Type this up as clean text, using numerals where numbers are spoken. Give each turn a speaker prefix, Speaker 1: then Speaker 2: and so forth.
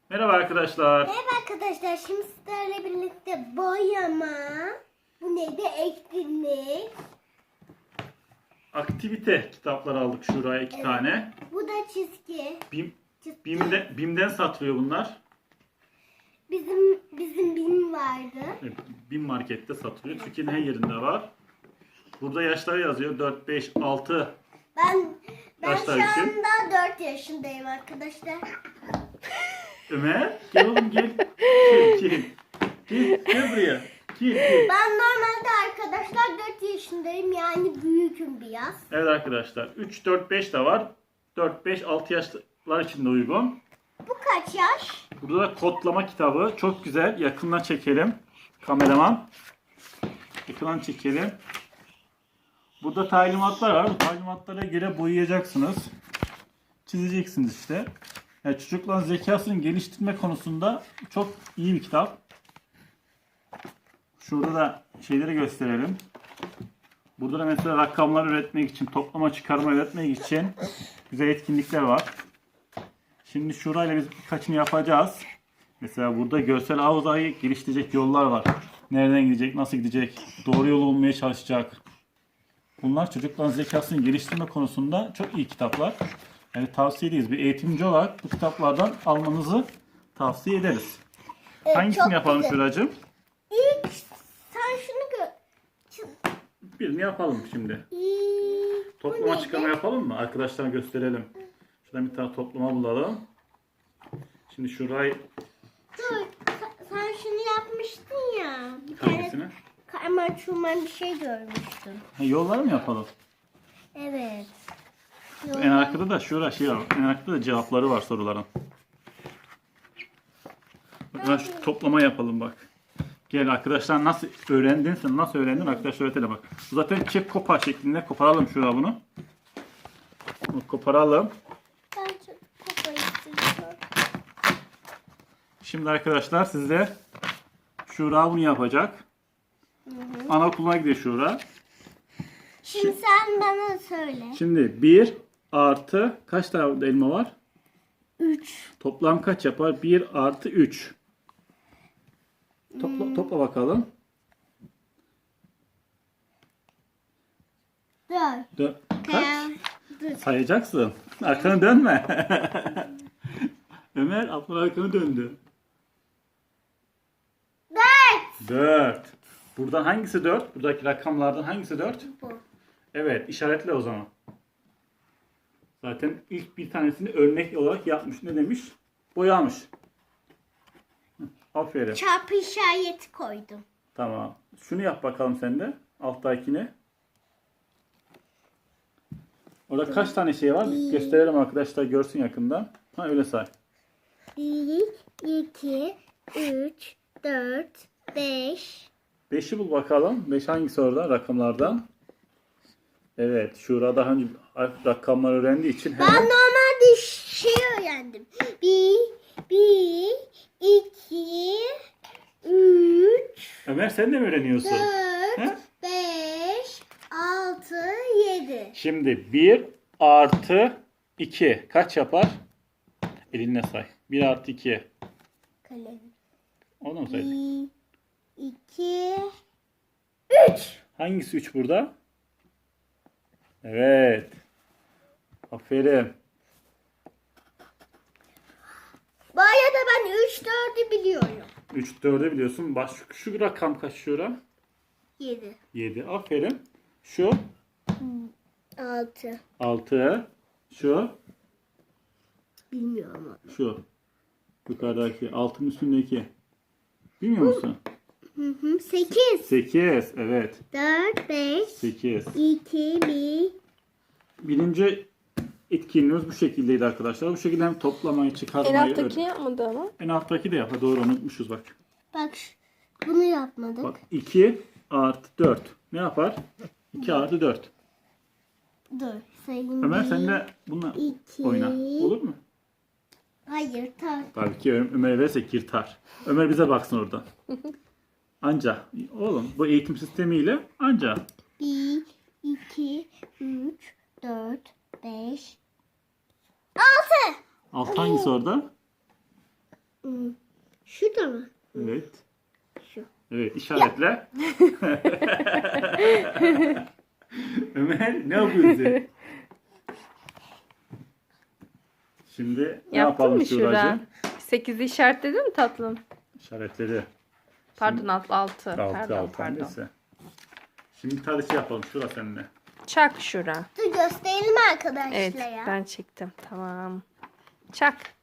Speaker 1: Merhaba arkadaşlar.
Speaker 2: Merhaba arkadaşlar. Şimdi sizlerle birlikte boyama, bu neydi? Etkinlik.
Speaker 1: Aktivite kitapları aldık şuraya iki tane.
Speaker 2: Bu da çizgi.
Speaker 1: BİM'den satılıyor bunlar.
Speaker 2: Bizim BİM vardı.
Speaker 1: Evet, BİM markette satılıyor. Türkiye'nin her yerinde var. Burada yaşları yazıyor. 4, 5, 6
Speaker 2: Ben
Speaker 1: Yaşlar
Speaker 2: şu
Speaker 1: için.
Speaker 2: anda 4 yaşındayım arkadaşlar.
Speaker 1: Ömer. Gel oğlum gel. Gel. Gel buraya. Gel.
Speaker 2: Ben normalde arkadaşlar 4 yaşındayım, yani büyüküm biraz.
Speaker 1: Evet arkadaşlar. 3, 4, 5 de var. 4, 5, 6 yaşlar için de uygun.
Speaker 2: Bu kaç yaş?
Speaker 1: Burada da kodlama kitabı. Çok güzel. Yakından çekelim. Kameraman. Yakından çekelim. Burada talimatlar var. Bu talimatlara göre boyayacaksınız. Çizeceksiniz işte. Yani çocukların zekasını geliştirme konusunda çok iyi bir kitap. Şurada da şeyleri gösterelim. Burada da mesela rakamlar üretmek için, toplama çıkarma üretmek için güzel etkinlikler var. Şimdi şurayla biz birkaçını yapacağız. Mesela burada görsel hafızayı geliştirecek yollar var. Nereden gidecek, nasıl gidecek, doğru yol olmaya çalışacak. Bunlar çocukların zekasını geliştirme konusunda çok iyi kitaplar. Yani tavsiye ederiz. Bir eğitimci olarak bu kitaplardan almanızı tavsiye ederiz. Hangisini
Speaker 2: çok
Speaker 1: yapalım
Speaker 2: güzel.
Speaker 1: Şuracığım?
Speaker 2: İlk sen şunu
Speaker 1: Birini yapalım şimdi.
Speaker 2: Bu
Speaker 1: Toplama
Speaker 2: neydi?
Speaker 1: çıkarma yapalım mı? Arkadaşlara gösterelim. Şuradan bir tane toplama bulalım. Şimdi şurayı...
Speaker 2: Dur, sen şunu yapmıştın ya. Bir
Speaker 1: Hangisini?
Speaker 2: tane karma çurman bir şey görmüştüm.
Speaker 1: Yolları mı yapalım?
Speaker 2: Evet.
Speaker 1: En arkada da şura şey var. En arkada da cevapları var soruların. Bak, şu toplama yapalım bak. Gel arkadaşlar nasıl öğrendin sen nasıl öğrendin arkadaşlar öğretelim bak. Bu zaten çek kopar şeklinde koparalım şurada bunu. Bunu koparalım.
Speaker 2: Ben çok kafayı istiyorum.
Speaker 1: Şimdi arkadaşlar sizde Şura bunu yapacak. Anaokuluna gidiyor Şura.
Speaker 2: Şimdi sen bana söyle.
Speaker 1: Şimdi 1 artı kaç tane elma var?
Speaker 2: 3.
Speaker 1: Toplam kaç yapar? 1 artı 3. Topla bakalım.
Speaker 2: 4.
Speaker 1: Kaç? Sayacaksın. Arkanı dönme. Ömer ablan arkanı döndü.
Speaker 2: 4.
Speaker 1: 4. Buradan hangisi 4? Buradaki rakamlardan hangisi 4?
Speaker 2: Bu.
Speaker 1: Evet, işaretle o zaman. Zaten ilk bir tanesini örnek olarak yapmış. Ne demiş? Boyamış. Aferin.
Speaker 2: Çarpı işareti koydum.
Speaker 1: Tamam. Şunu yap bakalım sen de. Alttakini. Orada kaç tane şey var? Bir gösterelim arkadaşlar görsün yakından. Ha öyle say.
Speaker 2: 1, 2, 3, 4, 5.
Speaker 1: 5'i bul bakalım. 5 hangisi orada rakamlardan? Evet. Şura daha önce rakamlar öğrendiği için
Speaker 2: Ben
Speaker 1: hemen
Speaker 2: normalde şey öğrendim. 1, 2, 3,
Speaker 1: Ömer sen de mi öğreniyorsun?
Speaker 2: 4,
Speaker 1: He?
Speaker 2: 5, 6, 7.
Speaker 1: Şimdi 1 artı 2 kaç yapar? Elinle say. 1 artı 2.
Speaker 2: Kalem.
Speaker 1: Onu mu saydık?
Speaker 2: 1, 2, 3.
Speaker 1: Hangisi 3 burada? Evet. Aferin.
Speaker 2: Bu arada ben 3, 4'ü biliyorum.
Speaker 1: 3 4'ü biliyorsun. Şu rakam kaç şura?
Speaker 2: 7,
Speaker 1: 7. Aferin. Şu
Speaker 2: 6.
Speaker 1: 6. Şu
Speaker 2: Bilmiyorum ama.
Speaker 1: şu. Yukarıdaki. Altın üstündeki. Bilmiyor musun?
Speaker 2: 8,
Speaker 1: 8. Evet.
Speaker 2: 4, 5,
Speaker 1: 8.
Speaker 2: 2, 1.
Speaker 1: Birinci etkinliğimiz bu şekildeydi arkadaşlar. Bu şekilde hem toplamayı,
Speaker 3: En
Speaker 1: çıkarmayı...
Speaker 3: alttaki yapmadı ama.
Speaker 1: En alttaki de yap. Doğru unutmuşuz bak.
Speaker 2: Bak bunu yapmadık.
Speaker 1: Bak 2 artı 4. Ne yapar? 2 artı 4.
Speaker 2: Dur sayayım.
Speaker 1: Ömer
Speaker 2: Bir,
Speaker 1: sen de bununla
Speaker 2: iki.
Speaker 1: oyna. Olur mu?
Speaker 2: Hayır
Speaker 1: Tabii ki Ömer'e versek yırtar. Ömer bize baksın oradan. Anca. Oğlum bu eğitim sistemiyle anca.
Speaker 2: 1, 2, 3, 4, 5, 6.
Speaker 1: Alt hangisi orada?
Speaker 2: Şurada mı?
Speaker 1: Evet.
Speaker 2: Şu.
Speaker 1: Evet, işaretle. Ömer ne yapıyorsun? Şimdi ne
Speaker 3: Yaptın
Speaker 1: yapalım
Speaker 3: mı Şura?
Speaker 1: Şuracığım?
Speaker 3: 8'i işaretledin mi tatlım?
Speaker 1: İşaretledi.
Speaker 3: Pardon 6.
Speaker 1: 6
Speaker 3: Pardon.
Speaker 1: neyse. Şimdi tarihçi yapalım Şura seninle.
Speaker 3: Çak Şura.
Speaker 2: Dur gösterelim arkadaşlara.
Speaker 3: Evet ben çektim. Tamam. Çak.